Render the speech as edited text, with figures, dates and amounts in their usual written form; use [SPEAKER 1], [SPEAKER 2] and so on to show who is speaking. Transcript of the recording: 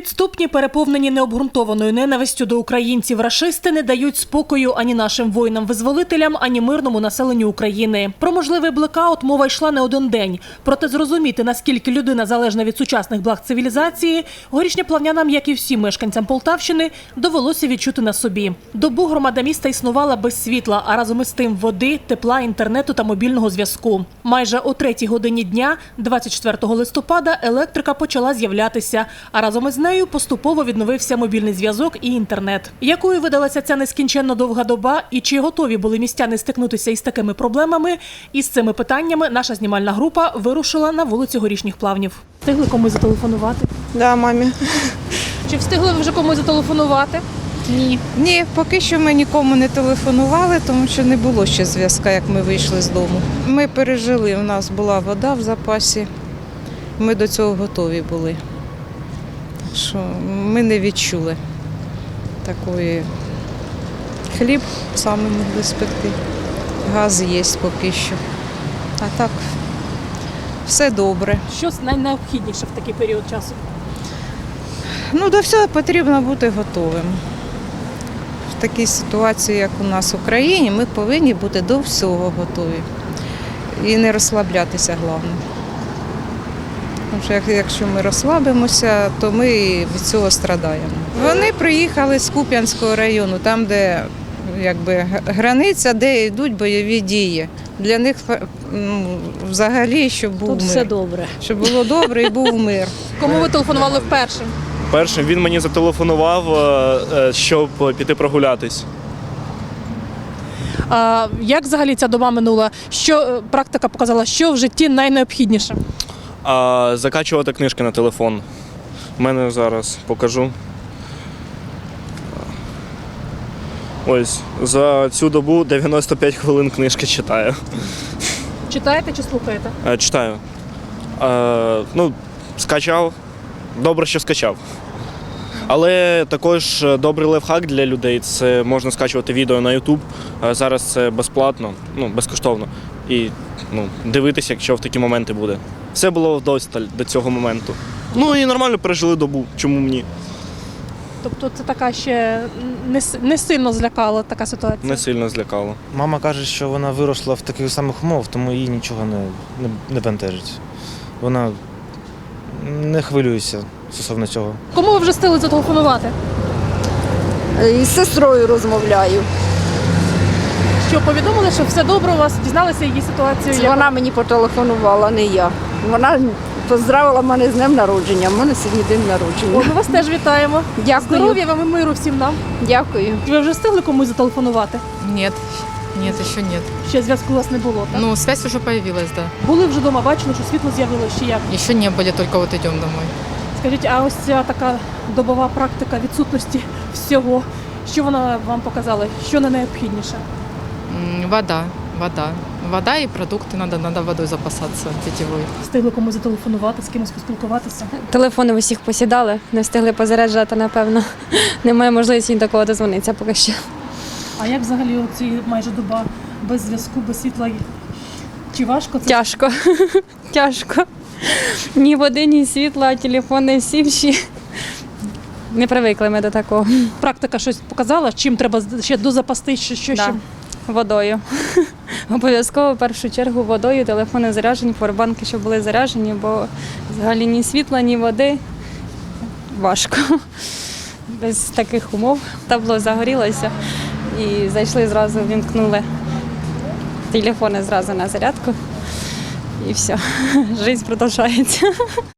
[SPEAKER 1] Підступні, переповнені необґрунтованою ненавистю до українців рашисти не дають спокою ані нашим воїнам-визволителям, ані мирному населенню України. Про можливий блекаут мова йшла не один день. Проте зрозуміти, наскільки людина залежна від сучасних благ цивілізації, горішньоплавнянам, як і всім мешканцям Полтавщини, довелося відчути на собі. Добу громада міста існувала без світла, а разом із тим води, тепла, інтернету та мобільного зв'язку. Майже о 3-й годині дня, 24 листопада, електрика почала з'являтися, а разом із нею поступово відновився мобільний зв'язок і інтернет. Якою видалася ця нескінченно довга доба і чи готові були містяни стикнутися із такими проблемами? Із цими питаннями наша знімальна група вирушила на вулицю Горішніх Плавнів. Встигли комусь зателефонувати?
[SPEAKER 2] Да, мамі.
[SPEAKER 1] Чи встигли ви вже комусь зателефонувати? Ні.
[SPEAKER 2] Ні, поки що ми нікому не телефонували, тому що не було ще зв'язку, як ми вийшли з дому. Ми пережили, у нас була вода в запасі, ми до цього готові були. Так що ми не відчули такої. Хліб саме могли спекти, газ є поки що. А так, все добре.
[SPEAKER 1] Що найнеобхідніше в такий період часу?
[SPEAKER 2] Ну, до всього потрібно бути готовим. В такій ситуації, як у нас в Україні, ми повинні бути до всього готові. І не розслаблятися, головне. Тому що якщо ми розслабимося, то ми від цього страдаємо. Вони приїхали з Куп'янського району, там, де границя, де йдуть бойові дії. Для них взагалі, щоб був
[SPEAKER 3] Тут
[SPEAKER 2] мир.
[SPEAKER 3] все добре.
[SPEAKER 2] Щоб було добре і був мир.
[SPEAKER 1] Кому ви телефонували вперше?
[SPEAKER 4] Першим він мені зателефонував, щоб піти прогулятись.
[SPEAKER 1] Як взагалі ця доба минула? Що практика показала, що в житті найнеобхідніше?
[SPEAKER 4] Закачувати книжки на телефон. У мене зараз покажу. Ось, за цю добу 95 хвилин книжки читаю.
[SPEAKER 1] Читаєте чи слухаєте?
[SPEAKER 4] Читаю. Скачав. Добре, що скачав. Але також добрий лайфхак для людей – це можна скачувати відео на YouTube. Зараз це безплатно, безкоштовно. І дивитися, якщо в такі моменти буде. Все було вдосталь до цього моменту. І нормально пережили добу, чому ні?
[SPEAKER 1] Тобто це така ще не сильно злякала така ситуація?
[SPEAKER 4] Не сильно злякало.
[SPEAKER 5] Мама каже, що вона виросла в таких самих умовах, тому їй нічого не бентежить. Вона не хвилюється стосовно цього.
[SPEAKER 1] Кому ви вже встигли зателефонувати?
[SPEAKER 3] Із сестрою розмовляю.
[SPEAKER 1] Що, повідомили, що все добре у вас? Дізналися її ситуацію?
[SPEAKER 3] Це вона мені потелефонувала, не я. Вона поздравила мене з днем народження. У мене сьогодні день народження.
[SPEAKER 1] Ми вас теж вітаємо.
[SPEAKER 3] Дякую.
[SPEAKER 1] Здоров'я вам і миру всім нам.
[SPEAKER 3] Дякую.
[SPEAKER 1] Ви вже встигли комусь зателефонувати?
[SPEAKER 6] Нет, еще нет.
[SPEAKER 1] Ще зв'язку у вас не було, так?
[SPEAKER 6] Ну, связь уже появилась, да.
[SPEAKER 1] Були вже вдома, бачили, що світло з'явилося, чи як?
[SPEAKER 6] Еще не были, только вот идем домой.
[SPEAKER 1] Скажіть, а ось ця така добова практика відсутності всього, що вона вам показала? Що не найнеобхідніше?
[SPEAKER 6] Вода и продукты, надо водой запасаться питьевой.
[SPEAKER 1] Встигли комусь зателефонувати, з кимось поспілкуватися?
[SPEAKER 7] Телефони в усіх посідали, не встигли позаряджати, напевно. Немає можливості ні до кого дозвонитися поки що.
[SPEAKER 1] А як взагалі оці майже доба без зв'язку, без світла? Чи важко це?
[SPEAKER 7] Тяжко. Тяжко. Ні води, ні світла, а телефони сівші. Не привикли ми до такого.
[SPEAKER 1] Практика щось показала, чим треба ще дозапастись, що ще?
[SPEAKER 7] Да. Водою. Обов'язково в першу чергу водою, телефони заряджені, поwerbanки, щоб були заряджені, бо взагалі ні світла, ні води. Важко. Без таких умов. Табло загорілося і зайшли зразу, вімкнули телефони зразу на зарядку і все. Життя продовжується.